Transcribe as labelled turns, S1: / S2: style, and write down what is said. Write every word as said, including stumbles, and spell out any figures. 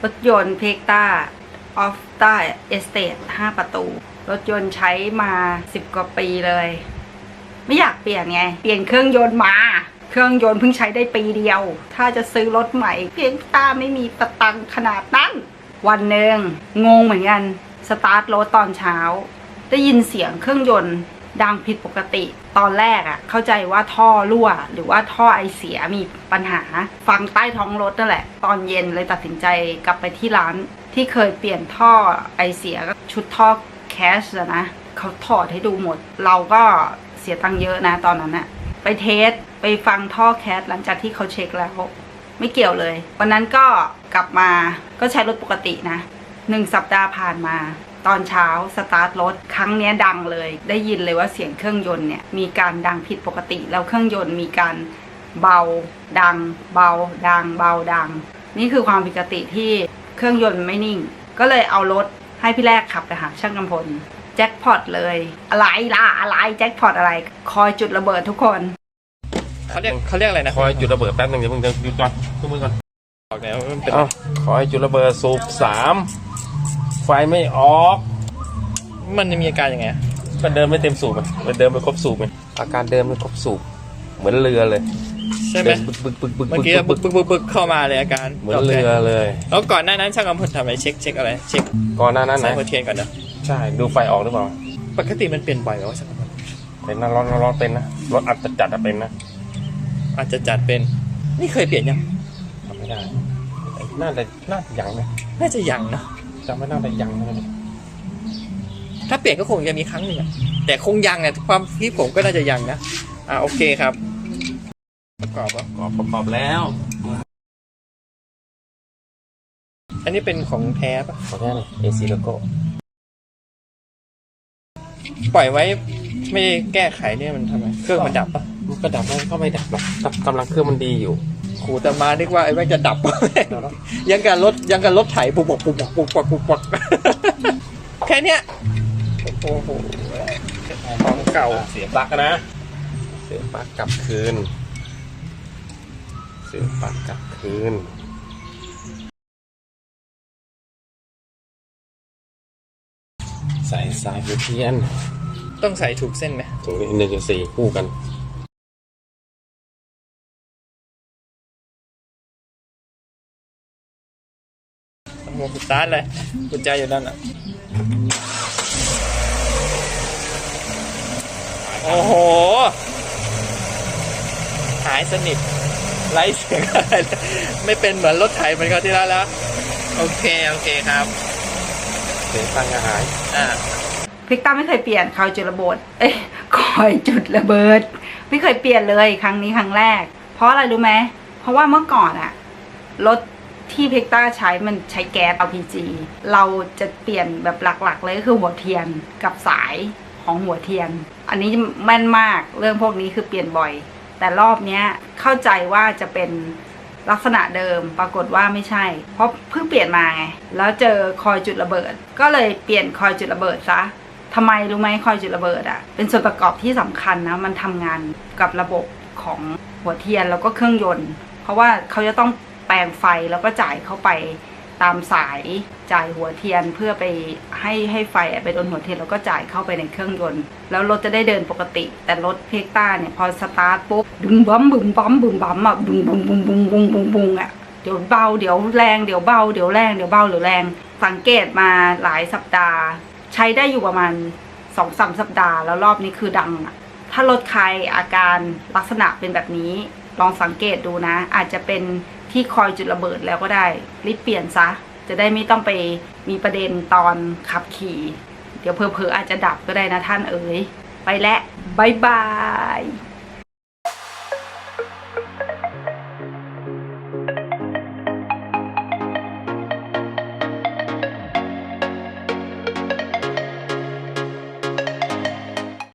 S1: รถยนต์เพกต้าออฟต้าเอสเตทห้าประตูรถยนต์ใช้มาสิบกว่าปีเลยไม่อยากเปลี่ยนไงเปลี่ยนเครื่องยนต์มาเครื่องยนต์เพิ่งใช้ได้ปีเดียวถ้าจะซื้อรถใหม่เพกต้าไม่มีตะตังขนาดนั้นวันหนึ่งงงเหมือนกันสตาร์ทรถตอนเช้าได้ยินเสียงเครื่องยนต์ดังผิดปกติตอนแรกอะเข้าใจว่าท่อรั่วหรือว่าท่อไอเสียมีปัญหาฟังใต้ท้องรถนั่นแหละตอนเย็นเลยตัดสินใจกลับไปที่ร้านที่เคยเปลี่ยนท่อไอเสียก็ชุดท่อแคชนะเขาถอดให้ดูหมดเราก็เสียตังค์เยอะนะตอนนั้นอะไปเทสไปฟังท่อแคชหลังจากที่เขาเช็คแล้วไม่เกี่ยวเลยวันนั้นก็กลับมาก็ใช้รถปกตินะหนึ่งสัปดาห์ผ่านมาตอนเช้าสตาร์ทรถครั้งนี้ดังเลยได้ยินเลยว่าเสียงเครื่องยนต์เนี่ยมีการดังผิดปกติแล้วเครื่องยนต์มีการเบาดังเบาดังเบาดังนี่คือความผิดปกติที่เครื่องยนต์ไม่นิ่งก็เลยเอารถให้พี่แรกขับไปหาช่างกำพลแจ็คพอตเลยอะไรล่ะอะไรแจ็คพอตอะไรคอยจุดระเบิดทุกคน
S2: เขาเรียกเขาเรียกอะไรนะ
S3: คอยจุดระเบิดแป๊บนึงเดี๋ยวมึงเดี๋ยวหยุดก่อนทุกมือก่อน
S2: ออกแล้วมันเป็น
S3: คอยจุดระเบิดสูบสามไฟไม่ออก
S2: มันจะมีอาการยังไง
S3: ก็เดินไม่เต็มสูบมันเดินไม่ครบสูบอาการเดินไม่ครบสูบเหมือนเรือเลย
S2: ใช่ไหม
S3: บึกบึกบึกบึก
S2: เมื่อกี้บึกบึกบึกบึกเข้ามาเลยอาการ
S3: เหมือนเรือเลย
S2: แล้วก่อนหน้านั้นช่างกำพลทำอะไรเช็คเช็คอะไรเช็ค
S3: ก่อนหน้านั้นไหน
S2: หัวเทียนก่อนนะ
S3: ใช่ดูไฟออกหรือเปล่า
S2: ปกติมันเปลี่ยนบ่อยไหมว่าช่างกำพล
S3: เป็นนะร้อนร้อนเป็นนะรถอาจจะจัดเป็นนะ
S2: อาจจะจัดเป็นนี่เคยเปลี่ยนยัง
S3: ทำไม่ได้น่าจะน่าจะยังนะ
S2: น่าจะยังนะ
S3: จำไม่ได้แต่ยังนะ
S2: ถ้าเปลี่ยนก็คงจะมีครั้งหนึ่งแต่คงยังเนี่ยความคิดผมก็น่าจะยังนะอ่าโอเคครับประกอบประ
S3: กอบประกอบแล้ว
S2: อันนี้เป็นของแท้ปะ
S3: ของแท้เลยเอซีโลโก้
S2: ปล่อยไว้ไม่ได้แก้ไขเนี่ยมันทำไมเครื่องมันดับปะ
S3: มันก็ดับแล้วก็ไม่ดับหรอกกำลังเครื่องมันดีอยู่
S2: ขูแต่มานึกว่าไอ้แม่งจะดับยังการรถยังการรถไถปุบปุบปุบปุบปุบปุบปุบแค่เนี้ยโอ้โหของเก่า
S3: เสียบปลั๊กนะเสียบปลั๊กกลับคืนเสียบปลั๊กกลับคืนใส่สายหัวเทียน
S2: ต้องใส่ถูกเส้นไหม
S3: ถูกหนึ่งกับสี่คู่กัน
S2: โอ้โหสตาร์ทเลยกุญแจอยู่ด้านน่ะโอ้โหหายสนิทไร้เสียงอะไรไม่เป็นเหมือนรถไถเหมือนเขาที่แล้วแล้วโอเคโอเคครับ
S3: เสียงฟังก็หาย
S2: อ่า
S1: พิกต้าไม่เคยเปลี่ยนคอยจุดระเบิดเอ้ยคอยจุดระเบิดไม่เคยเปลี่ยนเลยครั้งนี้ครั้งแรกเพราะอะไรรู้ไหมเพราะว่าเมื่อก่อนอะรถที่พิกต้าใช้มันใช้แก๊ส แอล พี จี เราจะเปลี่ยนแบบหลักๆเลยก็คือหัวเทียนกับสายของหัวเทียนอันนี้แม่นมากเรื่องพวกนี้คือเปลี่ยนบ่อยแต่รอบนี้เข้าใจว่าจะเป็นลักษณะเดิมปรากฏว่าไม่ใช่เพราะเพิ่งเปลี่ยนมาไงแล้วเจอคอยจุดระเบิดก็เลยเปลี่ยนคอยจุดระเบิดซะทำไมรู้ไหมคอยจุดระเบิดอ่ะเป็นส่วนประกอบที่สำคัญนะมันทำงานกับระบบของหัวเทียนแล้วก็เครื่องยนต์เพราะว่าเขาจะต้องแปลงไฟแล้วก็จ่ายเข้าไปตามสายจ่ายหัวเทียนเพื่อไปให้ให้ไฟไปโดนหัวเทียนแล้วก็จ่ายเข้าไปในเครื่องยนต์แล้วรถจะได้เดินปกติแต่รถเพกต้าเนี่ยพอสตาร์ทปุ๊บบึ้มบั๊มบึ้มบั๊มบึ้มบั๊มอ่ะบึ้มบึ้มบึ้มบึ้มบึ้มบึ้มบึ้มอ่ะเดี๋ยวเบาเดี๋ยวแรงเดี๋ยวเบาเดี๋ยวแรงเดี๋ยวเบาเดี๋ยวแรงสังเกตมาหลายสัปดาห์ใช้ได้อยู่ประมาณสองสามสัปดาห์แล้วรอบนี้คือดังอ่ะถ้ารถใครอาการลักษณะเป็นแบบนี้ลองสังเกตดูนะอาจจะเป็นที่คอยจุดระเบิดแล้วก็ได้รีบเปลี่ยนซะจะได้ไม่ต้องไปมีประเด็นตอนขับขี่เดี๋ยวเพอๆอาจจะดับก็ได้นะท่านเอ๋ยไปแล้วบ๊ายบาย